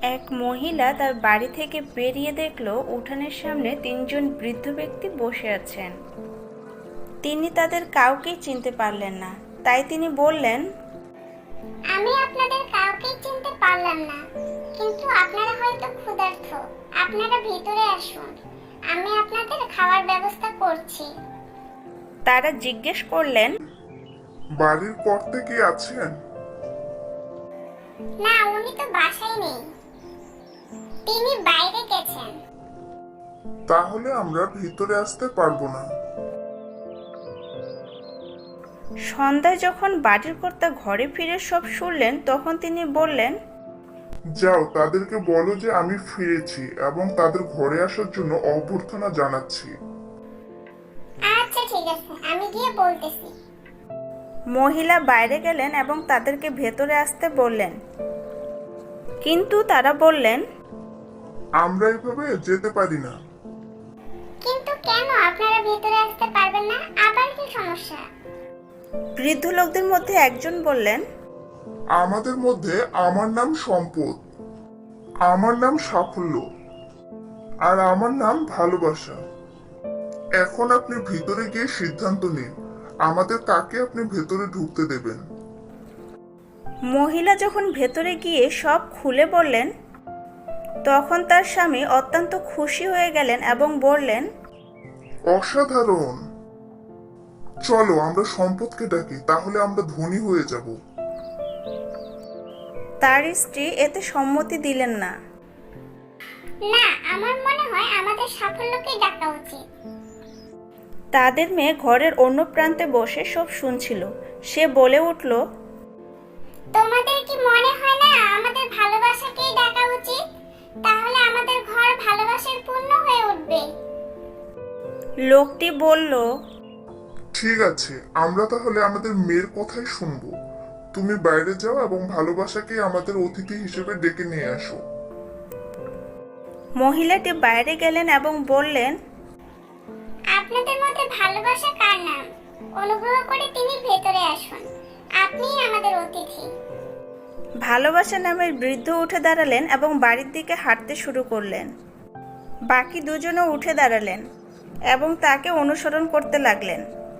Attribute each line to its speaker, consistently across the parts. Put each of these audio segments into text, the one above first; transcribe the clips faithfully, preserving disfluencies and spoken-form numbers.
Speaker 1: এক মহিলা তার বাড়ি থেকে বেরিয়ে দেখল উঠানের সামনে তিনজন বৃদ্ধ ব্যক্তি বসে আছেন। তিনি তাদের কাউকেই চিনতে পারলেন না, তাই তিনি বললেন,
Speaker 2: আমি আপনাদের কাউকেই চিনতে পারলাম না, কিন্তু আপনারা হয়তো ক্ষুধার্ত। আপনারা ভিতরে আসুন, আমি আপনাদের খাওয়ার ব্যবস্থা করছি।
Speaker 1: তারা জিজ্ঞেস করলেন,
Speaker 3: বাড়ির কর্তা কি আছেন?
Speaker 2: না, উনি তো বাসায় নেই, তিনি বাইরে গেছেন।
Speaker 3: তাহলে আমরা ভিতরে আসতে পারবো না।
Speaker 1: সন্ধ্যায় যখন বাড়ির কর্তা ঘরে ফিরে সব শুনলেন, তখন তিনি বললেন,
Speaker 3: যাও, তাদেরকে বলো যে আমি ফিরেছি এবং তাদের ঘরে আসার জন্য অভ্যর্থনা জানাচ্ছি।
Speaker 2: আচ্ছা ঠিক আছে, আমি গিয়ে বলতেছি।
Speaker 1: মহিলা বাইরে গেলেন এবং তাদেরকে ভেতরে আসতে বললেন, কিন্তু তারা বললেন,
Speaker 3: আমরা এভাবে যেতে পারি না।
Speaker 2: কিন্তু কেন আপনারা ভিতরে আসতে পারবেন না? আবার কি সমস্যা?
Speaker 1: বৃদ্ধ লোকদের মধ্যে একজন বললেন,
Speaker 3: আমাদের মধ্যে আমার নাম সম্পদ, আমার নাম সাফল্য, আর আমার নাম ভালোবাসা। এখন আপনি ভিতরে গিয়ে সিদ্ধান্ত নিন, আমাদের কাকে আপনি ভেতরে ঢুকতে দেবেন।
Speaker 1: মহিলা যখন ভেতরে গিয়ে সব খুলে বললেন, তখন তার স্বামী অত্যন্ত খুশি হয়ে গেলেন এবং বললেন,
Speaker 3: অসাধারণ, চলো আমরা সম্পদকে ডাকি, তাহলে আমরা ধনী হয়ে যাব।
Speaker 1: তার স্ত্রী এতে সম্মতি দিলেন না।
Speaker 2: না, আমার মনে হয় আমাদের সাফল্যকে ডাকা উচিত।
Speaker 1: তাদের মেয়ে ঘরের অন্য প্রান্তে বসে সব শুনছিল। সে বলে উঠল,
Speaker 2: তোমাদের কি মনে হয় না আমাদের ভালোবাসাকেই ডাকা উচিত? তাহলে আমাদের ঘর ভালোবাসার পূর্ণ হয়ে উঠবে।
Speaker 1: লোকটি বলল,
Speaker 3: ঠিক আছে, আমরা তাহলে আমাদের মেয়ের কথাই শুনবো। তুমি বাইরে যাও এবং ভালোবাসাকে আমাদের অতিথি হিসেবে ডেকে নিয়ে আসো।
Speaker 1: মহিলাটি বাইরে গেলেন এবং বললেন,
Speaker 2: আপনাদের মধ্যে ভালোবাসা কার নাম? অনুগ্রহ করে তিনি ভেতরে আসুন, আপনিই আমাদের অতিথি।
Speaker 1: ভালোবাসা নামের বৃদ্ধ উঠে দাঁড়ালেন এবং বাড়ির দিকে হাঁটতে শুরু করলেন। বাকি দুজনও উঠে দাঁড়ালেন এবং তাকে অনুসরণ করতে লাগলেন।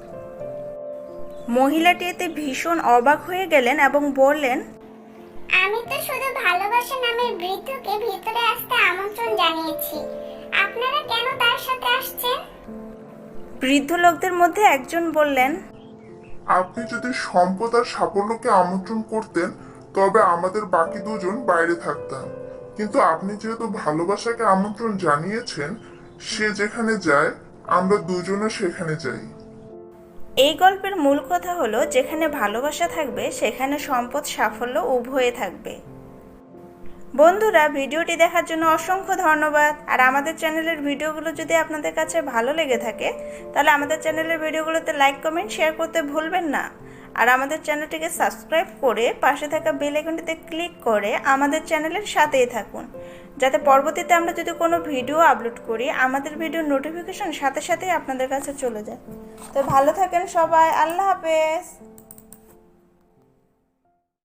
Speaker 1: মহিলাটি এতে ভীষণ অবাক হয়ে গেলেন এবং বললেন,
Speaker 2: আমি তো শুধু ভালোবাসা নামের বৃদ্ধকে ভিতরে আসতে আমন্ত্রণ জানিয়েছি, আপনারা কেন তার সাথে আসছেন?
Speaker 1: বৃদ্ধ লোকদের মধ্যে একজন বললেন,
Speaker 3: আপনি যদি সম্পদ আর সাফল্যকে আমন্ত্রণ করতেন তবে আমাদের বাকি দুজন বাইরে থাকতাম, কিন্তু আপনি যেহেতু ভালোবাসাকে আমন্ত্রণ জানিয়েছেন, সে যেখানে যায় আমরা দুজনে সেখানে যাই।
Speaker 1: এই গল্পের মূল কথা হলো, যেখানে ভালোবাসা থাকবে সেখানে সম্পদ সাফল্য উভয়ে থাকবে। বন্ধুরা, ভিডিওটি দেখার জন্য অসংখ্য ধন্যবাদ। আর আমাদের চ্যানেলের ভিডিওগুলো যদি আপনাদের কাছে ভালো লেগে থাকে তাহলে আমাদের চ্যানেলের ভিডিওগুলোতে লাইক কমেন্ট শেয়ার করতে ভুলবেন না। আর আমাদের চ্যানেলটিকে সাবস্ক্রাইব করে পাশে থাকা বেল আইকনটিতে ক্লিক করে আমাদের চ্যানেলের সাথেই থাকুন, যাতে পরবর্তীতে আমরা যদি কোনো ভিডিও আপলোড করি আমাদের ভিডিওর নোটিফিকেশন সাথে সাথেই আপনাদের কাছে চলে যায়। তো ভালো থাকেন সবাই, আল্লাহ হাফেজ।